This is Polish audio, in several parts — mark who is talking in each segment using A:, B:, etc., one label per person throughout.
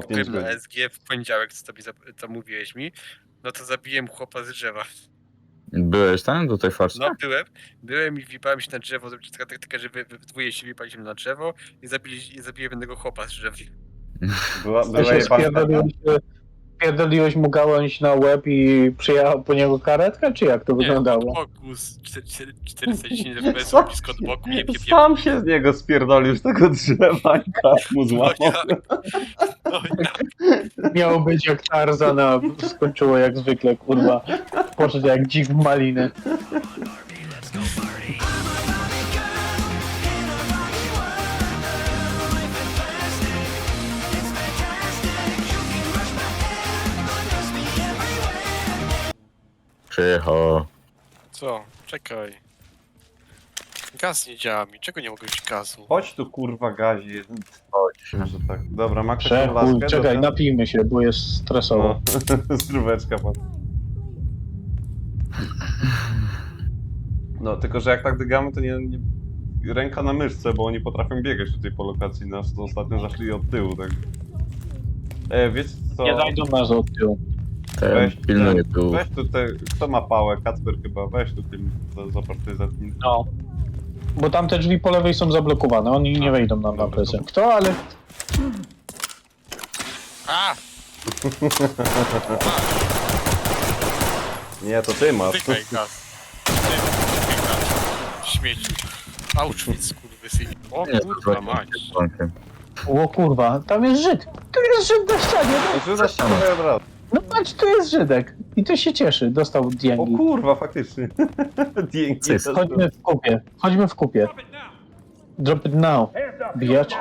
A: jak
B: 5
A: byłem na
B: godzin.
A: SG w poniedziałek, co mówiłeś mi, no to zabiłem chłopa z drzewa.
C: Byłeś tam do tej farce?
A: No byłem i wipałem się na drzewo, zrobić taka taktyka, że we dwóje się wipaliśmy na drzewo i zabiłem jednego chłopa z drzewa.
B: Była jebanka?
D: Spierdoliłeś mu gałąź na łeb i przyjechał po niego karetka, czy jak to
A: Nie, od
D: wyglądało?
A: boku z 410 FPS blisko od boku,
B: Sam się z niego spierdolił z tego drzewa i kask mu
A: No
B: złamał.
A: ja, no ja.
D: Miało być jak Tarzan, a skończyło jak zwykle, kurwa. Poszedł jak dzik w maliny.
C: Przyjechał.
A: Co? Czekaj. Gaz nie działa mi, czego nie mogę mieć gazu?
B: Chodź tu kurwa gazie.
C: Chodź.
B: Może tak. Dobra, ma ktoś
D: Przechuj,
B: laskę?
D: czekaj,
B: Dobra.
D: napijmy się, bo jest stresowo.
B: No, zdróweczka pan. No, tylko że jak tak dygamy, to nie ręka na myszce, bo oni potrafią biegać tutaj po lokacji. Nas to ostatnio zaszli od tyłu, tak. Wiecie co?
D: Nie zajdą nas od tyłu.
C: Ten pilnuje tu.
B: Weź tutaj, kto ma pałę? Kacper chyba, weź tu tym, zobacz tutaj zacznij.
D: No. Bo tamte drzwi po lewej są zablokowane, oni nie wejdą nam na presję. Kto, ale...
A: A!
B: Nie, to ty masz.
A: Tykaj gaz. Tykaj gaz. Śmieci. Auschwitz, kurwysyn. O
C: Nie,
A: kurwa
C: to
A: mać.
C: z bankiem.
D: O kurwa, tam jest Żyd! Tu jest Żyd na ścianie! No,
B: Rzucasz się tutaj od razu.
D: no patrz, tu jest Żydek! I to się cieszy, dostał
B: O
D: dięgi.
B: kurwa, faktycznie. Dzięki.
C: Cyk.
D: Chodźmy w kupie, chodźmy w kupie. Drop it now, bitch.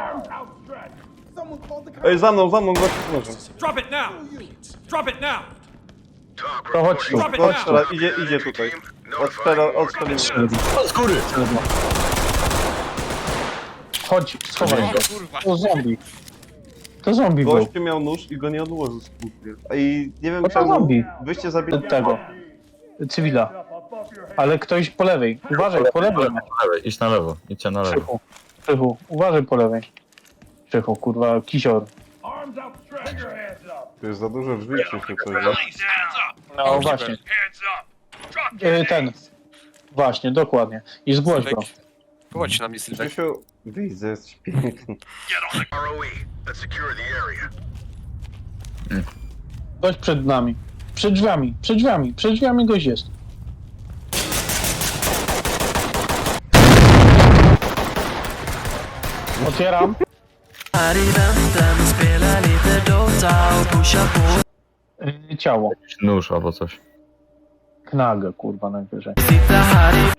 B: Ej, za mną, gość może.
E: Drop it now! Drop it now!
D: To chodź tu, chodź tu.
B: Odstrzela, idzie tutaj. Odstrzelimy.
C: Z góry!
D: Chodź, schowaj
A: O
D: go.
A: kurwa.
D: To zombie. To zombie był.
B: Gościu miał nóż i go nie odłożył z kupy. I nie wiem
D: No to
B: czemu
D: zombie.
B: wyście zabili...
D: Tego. Cywila. Ale ktoś po lewej. Uważaj, po lewej.
C: Na lewej, idź na lewo, idźcie na lewo.
D: Krzychu, Krzychu, uważaj po lewej. Krzychu, kurwa, kisior.
B: Tu jest za dużo drzwi, Krzysiu, coś.
D: No właśnie. Ten. Właśnie, dokładnie. I zgłoś go.
A: Chodź na mnie, Sylwek.
B: Krzysiu, widzę, jesteś piękny.
D: Gość przed nami. Przed drzwiami gość jest. Otwieram.
F: Här i väntan spelar lite Dota och pushar på.
D: Ciało.
C: Jakiś nóż albo coś.
D: Knagę, kurwa, najwyżej.
F: Sitter här i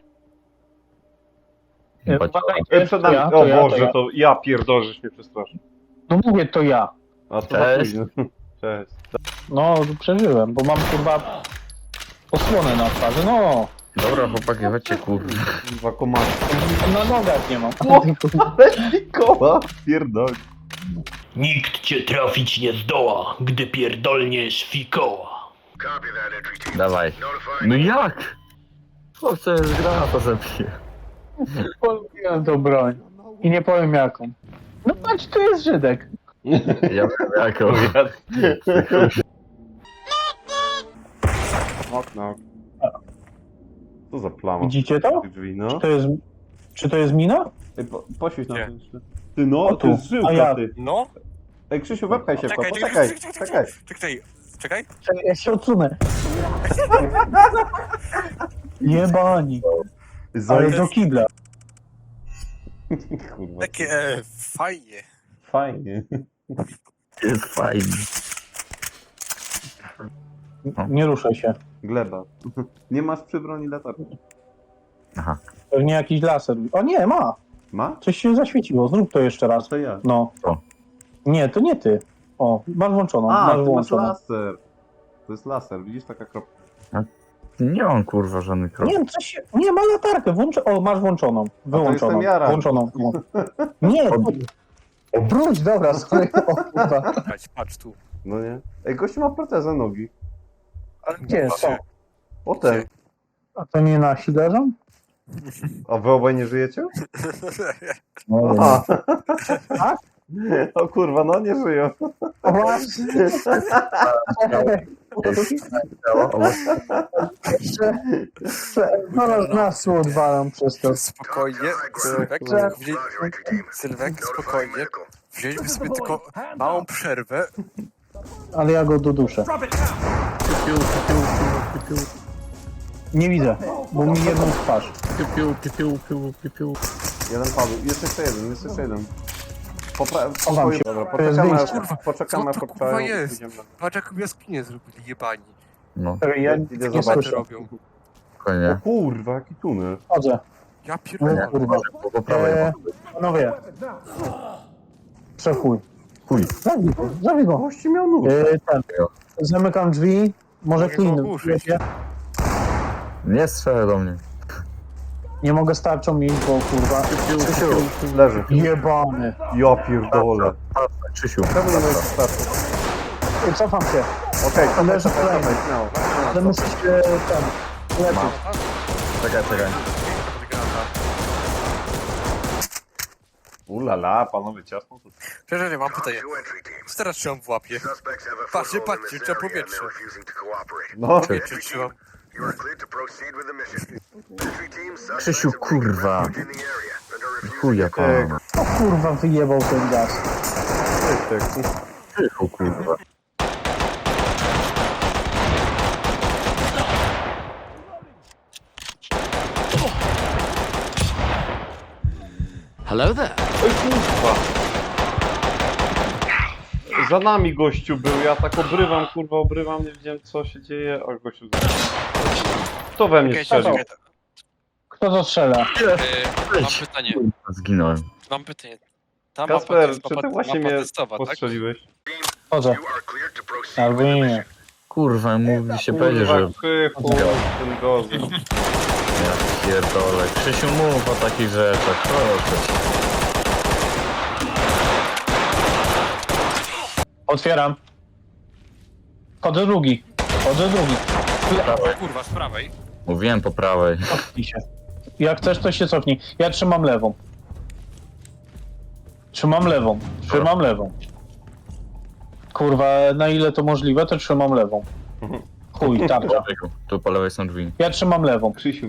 D: Uważajcie,
B: Przed
D: to
B: nami,
D: ja,
B: o
D: to ja, to
B: Boże,
D: ja.
B: to ja pierdolę, żeś mnie przestraszył.
D: No mówię, to ja.
B: A to za
C: Cześć.
B: późno. Cześć.
D: No, przeżyłem, bo mam, kurwa, osłonę na twarzy. No,
C: Dobra chłopaki, chodźcie kurwa.
B: Dwa komary.
D: na nogach nie mam.
B: Koła, pierdol.
G: Nikt cię trafić nie zdoła, gdy pierdolniesz fikoła.
C: Dawaj. No jak? Chłopcze z granata zabije.
D: Polubiłem tą broń. I nie powiem jaką. No patrz, tu jest Żydek.
C: Ja wiem jaką.
B: Okno. Co za plama?
D: Widzicie to?
B: Tych drzwi, no.
D: Czy to jest mina?
B: Ej, poświeć na
A: Nie.
B: to jeszcze. Ty no,
D: O,
B: to jest
D: tu. A
B: żyłka,
D: ja.
B: ty.
A: No?
B: Ej, Krzysiu, wepchaj się w to,
A: Czekaj,
B: poczekaj,
A: czekaj.
B: czekaj.
A: Czekaj.
D: Ja się odsunę. Jebani. Ale do kibla.
B: Kurwa,
A: Takie fajnie.
B: fajnie.
C: Jest fajnie.
D: Nie ruszaj się.
B: Gleba. Nie masz przy broni latarki.
C: Aha.
D: Pewnie jakiś laser. O nie, ma.
B: Ma?
D: Coś się zaświeciło. Zrób to jeszcze raz.
B: To ja.
D: No.
C: O.
D: Nie, to nie ty. O, masz włączoną.
B: A,
D: masz
B: ty masz
D: włączoną.
B: laser. To jest laser, widzisz taka kropka.
C: Nie mam kurwa żadnych kroków.
D: Nie, coś się... Nie, ma latarkę. O, masz włączoną. Wyłączoną.
B: jestem ja, Ram.
D: Włączoną. Nie, obróć, dobra, sorry. O, kurwa.
A: Patrz tu.
B: No nie? Ej, gościu ma protezę nogi.
A: Ale
D: Gdzie jest to?
B: O ten.
D: A to nie nasi leżą?
B: A wy obaj nie żyjecie?
D: No,
B: Aha.
D: tak?
B: O kurwa, no nie żyją.
D: O właśnie. No nas odwalam przez to.
A: Spokojnie, Sylwek, Sylwek, spokojnie. Wzięliśmy sobie tylko małą przerwę.
D: Ale ja go doduszę.
E: Drop it now!
D: Nie widzę, bo mi jedną twarz.
B: Jeden padł. Jest jeszcze jeden, jest jeszcze jeden.
D: Chowam się.
B: Dobra,
D: To jest
B: poczekamy,
D: wyjście.
B: poczekamy,
A: Co to, kurwa,
B: poczekamy.
A: jest?
B: Idziemy.
A: Patrz jaką jaskinię zrobili, jebani.
C: No,
D: Ja
B: Idę
D: nie
B: zobaczyć.
D: słyszę.
A: robią.
B: O
C: spokojnie.
B: kurwa, jaki tunel.
D: Chodzę.
A: Ja
D: O
A: pierdolę.
D: kurwa.
C: Po prawej.
D: Panowie. Przechuj.
C: Chuj.
D: Zabij go.
B: Gości miał nóż.
D: Ten. Zamykam drzwi. Może
A: Mogę go
D: clean.
A: ogłuszyć.
C: Nie strzelaj do mnie.
D: Nie mogę starczą mieć, bo kurwa.
B: Leży.
D: Jebany.
B: Ja pierdolę.
C: Krzysiu.
B: Czemu nie możesz startu?
D: Cofam się.
B: Okej,
D: Leży
B: czekaj,
D: kolejny.
B: czekaj, śmiało.
D: Ale muszę się ten. Lepiej.
C: Czekaj.
B: Ulala, panowie, ciasno tu.
A: Przepraszam, mam pytanie. Co teraz trzymam w łapie? Patrzcie, patrzcie, trzeba powietrze.
B: No,
A: Powietrze trzymam.
C: Krzysiu, kurwa. Chuja pana.
D: O kurwa wyjebał ten gaz.
C: Krzysiu, kurwa.
F: Hello there.
B: Oj kurwa. Za nami gościu był, ja tak obrywam, nie wiedziałem co się dzieje. O, gościu Kto we mnie
A: Czekaj,
B: strzelił?
A: czekaj,
D: Kto to strzela?
A: mam pytanie,
C: Zginąłem.
A: mam pytanie. Ta mapa to
B: Kasper,
A: jest
B: czy
A: mapa,
B: ty właśnie
A: mapa
B: mnie
A: testowa, tak?
B: postrzeliłeś?
D: Chodzę. Albo nie.
C: Kurwa, mówi się powiedzieć,
B: Kurwa,
C: że...
B: krzychu, ten gozy.
C: Ja pierdolę. Krzysiu, mów o takich rzeczach, proszę cię.
D: Otwieram. Chodzę drugi.
A: Kurwa, z prawej.
C: Mówiłem po prawej.
D: Cofnij się. Jak chcesz, to się cofnij. Ja trzymam lewą. Trzymam lewą. Kurwa, na ile to możliwe, to trzymam lewą. Chuj, tarcza.
C: Tu po lewej są drzwi.
D: Ja trzymam lewą.
B: Krzysiu,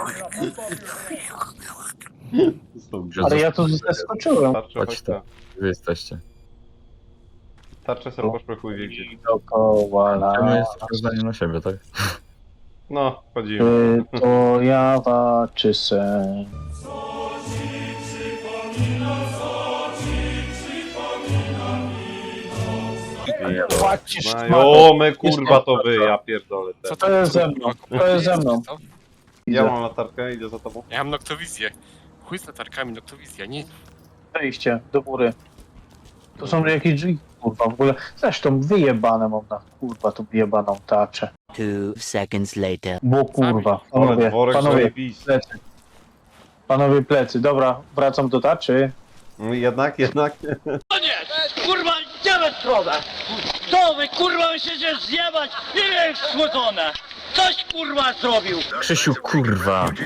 D: Ale ja tu zeskoczyłem.
B: Tarczę,
C: Chodź
B: chodź
C: tu.
B: ta.
C: Wy jesteście.
B: Tarczę sobie poszpechuj wie gdzie.
D: Dookoła
C: My
D: la.
C: jesteśmy zdani na siebie, tak?
B: No, chodzimy.
D: To ja walczy sen. Płacisz,
B: Znajome kurwa to wy, ja pierdolę.
A: Co
B: Te.
D: To jest ze mną, to jest ze mną.
A: Co?
B: Ja mam latarkę, idę za tobą.
A: Ja mam noktowizję. Chuj z latarkami, noktowizja, nie?
D: Wejście do góry. To są jakieś drzwi, kurwa, w ogóle. Zresztą wyjebane mam na, kurwa, tu wyjebaną tarczę.
H: 2 seconds later.
D: Bo kurwa,
B: Ale
D: panowie,
B: dworek
D: panowie,
B: zajebisty.
D: plecy. Panowie, plecy, dobra, wracam do tarczy.
B: No jednak.
I: Kurwa, gdzie wy stronę? Co wy kurwa myślicie zjebać? Ile jest schłodzone? Coś kurwa zrobił!
C: Krzysiu, kurwa.